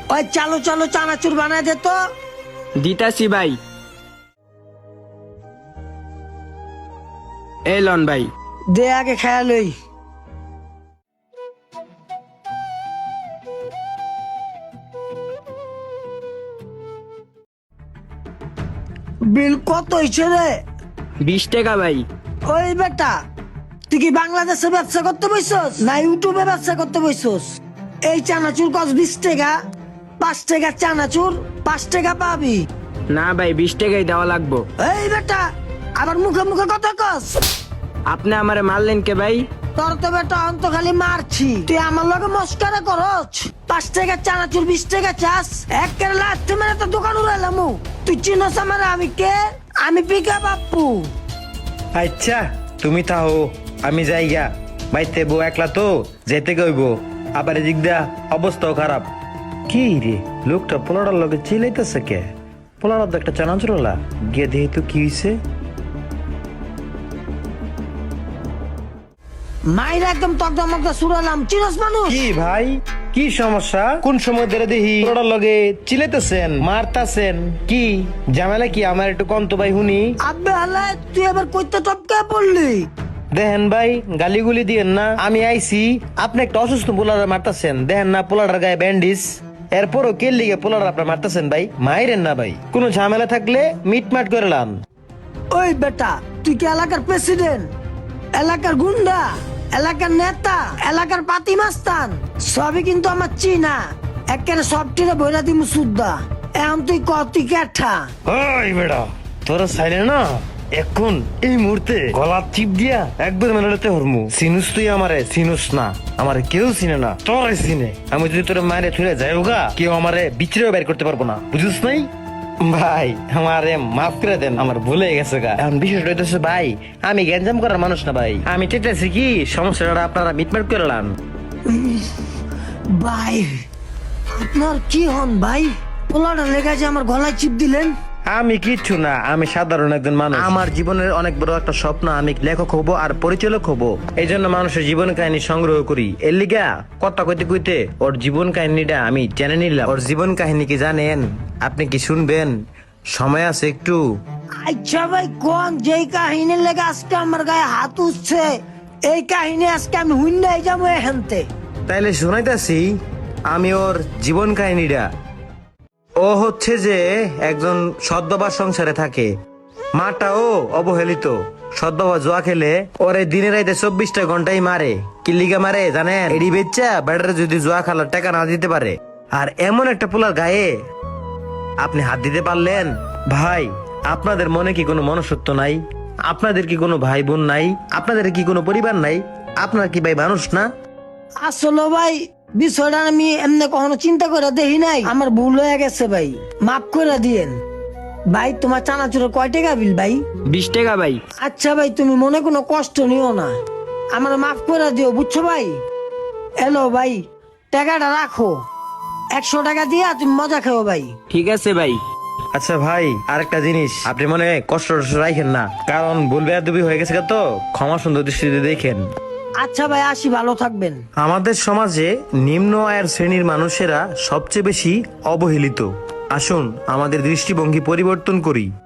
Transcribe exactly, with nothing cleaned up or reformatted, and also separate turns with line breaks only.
ওই চালো চালো চানাচুর বানায় দে তো।
দিতাছি ভাই। এই লন ভাই।
দে আগে খেয়া লই। বিল কত হয়েছে রে?
বিশ টাকা ভাই।
ওই বেটা, তুই কি বাংলাদেশে ব্যবসা করতে বসছস না ইউটিউবে ব্যবসা করতে বসছস? এই চানাচুর কস বিশ টাকা, পাঁচ টাকা চানাচুর পাঁচ টাকা পাবি।
না ভাই, বিশ টাকাই দেওয়া লাগবো।
এই বেটা, আবার মুখে মুখে কথা কস।
আপনি আমারে মারলেন কে ভাই?
তোর তো বেটা অন্ত খালি মারছি, তুই আমার লগে মস্কারা করছ। পাঁচ টাকা চানাচুর বিশ টাকা চাস, এক কেরালা আসতে মেরে তো দোকান উড়াইলাম। তুই চিনস আমার? আমি কে? আমি পিকা বাপ্পু।
আচ্ছা তুমি তাও, আমি যাইগা। বাইতে বউ একলা তো যেতে গইব, আবার এদিক দা অবস্থাও খারাপ। কি রে লোকটা পোলাটার লগে চিলাইতেছে কে? পোলাটার তো একটা চানাচুরলা গিয়ে দেখি তো কি হইছে।
মাইরা একদম তকদা মকদা সুরালাম, চিনস মানুষ?
কি ভাই, কি সমস্যা? কোন সময় ধরে দেখি পোলাটার লগে চিলাইতেছেন, মারতাছেন? কি ঝামেলা কি? আমার একটু কন্ত ভাই হুনি।
আব্বে হালায়, তুই আবার কইতে টপকে পড়লি?
দেখেন ভাই, গালিগুলি দিয়েন না। আমি আইছি, আপনি একটা অসুস্থ পোলার মারতাছেন। দেখেন না পোলাটার গায়ে ব্যান্ডিজ, এরপরও কে লিগে পোলার আপনার মারতাছেন ভাই? মাইরেন না ভাই, কোনো ঝামেলা থাকলে মিটমাট করে লান।
ওই বেটা, তুই কি এলাকার প্রেসিডেন্ট, এলাকার গুন্ডা, এলাকার নেতা, এলাকার পাতি মাস্তান? সবই কিন্তু আমার চিনা, একেবারে সব টিরে বইরা দিমু সুদ্দা। এখন তুই কতি কেঠা?
ওই বেটা, তোরা চাইলে না এখন এই মুহূর্তে গলা চিপ দিয়া একবার মেলাতে হরমু। সিনুস তুই আমারে? সিনুস না, আমারে কেউ চিনে না, তোরে চিনে। আমি যদি তোর মায়ের থুলে যাই গা, কেউ আমারে বিচরেও বের করতে পারবো না, বুঝিস নাই? ভাই আমারে মাফ করে দেন, আমার ভুলে গেছে গা। এখন বিষয়টা হইতেছে ভাই, আমি গ্যাঞ্জাম করার মানুষ না ভাই। আমি চেতেছি কি সমস্যাটা আপনারা মিটমাট করে লান।
ভাই আপনার কি হন ভাই? পোলাটা লেগে যে আমার গলায় চিপ দিলেন।
আমি কিচ্ছু না, আমি সাধারণ একজন মানুষ। আমার জীবনের অনেক বড় একটা স্বপ্ন, আমি লেখক হব আর পরিচালক হব। এই জন্য মানুষের জীবন কাহিনী সংগ্রহ করি। এর লিগা কথা কইতে কইতে ওর জীবন কাহিনীটা আমি জেনে নিলাম। ওর জীবন কাহিনী কি জানেন? আপনি কি শুনবেন? সময় আছে একটু?
আচ্ছা ভাই, কোন যেই কাহিনীর লেগে আজকে আমার গায়ে হাত উঠছে, এই কাহিনী আজকে আমি হুইন্দাই যাবো এখানতে।
তাইলে শোনাইতাছি আমি ওর জীবন কাহিনীটা। ও হচ্ছে যে একজন সদ্বাবার সংসারে থাকে, মাটাও অবহেলিত। সদ্বাবা জুয়া খেলে ওরে দিনে রাইতে চব্বিশটা ঘন্টাই মারে। কি লিগা মারে জানেন? এডি বেচ্চা ব্যাটারে যদি জুয়া খেলার টাকা না দিতে পারে। আর এমন একটা পোলার গায়ে আপনি হাত দিতে পারলেন? ভাই আপনাদের মনে কি কোনো মনুষ্যত্ব নাই? আপনাদের কি কোনো ভাই বোন নাই? আপনাদের কি কোনো পরিবার নাই? আপনার কি ভাই মানুষ না?
আসলে ভাই বিষয়টা আমি এমনি কখনো চিন্তা করে দেখি নাই, আমার ভুল হয়ে গেছে ভাই, মাফ করে দিয়েন। ভাই তোমার চানাচুরের কয় টাকা বিল ভাই?
বিশ টাকা ভাই।
আচ্ছা ভাই, তুমি মনে কোনো কষ্ট নিও না, আমার মাফ করে দিও, বুঝছো ভাই? এলো ভাই, টাকাটা রাখো, একশো টাকা দিয়া তুমি মজা খাও ভাই।
ঠিক আছে ভাই।
আচ্ছা ভাই, আরেকটা জিনিস, আপনি মনে কষ্ট টষ্ট রাখেন না, কারণ ভুল বেয়াদবি হয়ে গেছে তো, ক্ষমা সুন্দর দৃষ্টিতে দেখেন।
আচ্ছা ভাই, আসি, ভালো থাকবেন।
আমাদের সমাজে নিম্ন আয়ের শ্রেণীর মানুষেরা সবচেয়ে বেশি অবহেলিত। আসুন আমাদের দৃষ্টিভঙ্গি পরিবর্তন করি।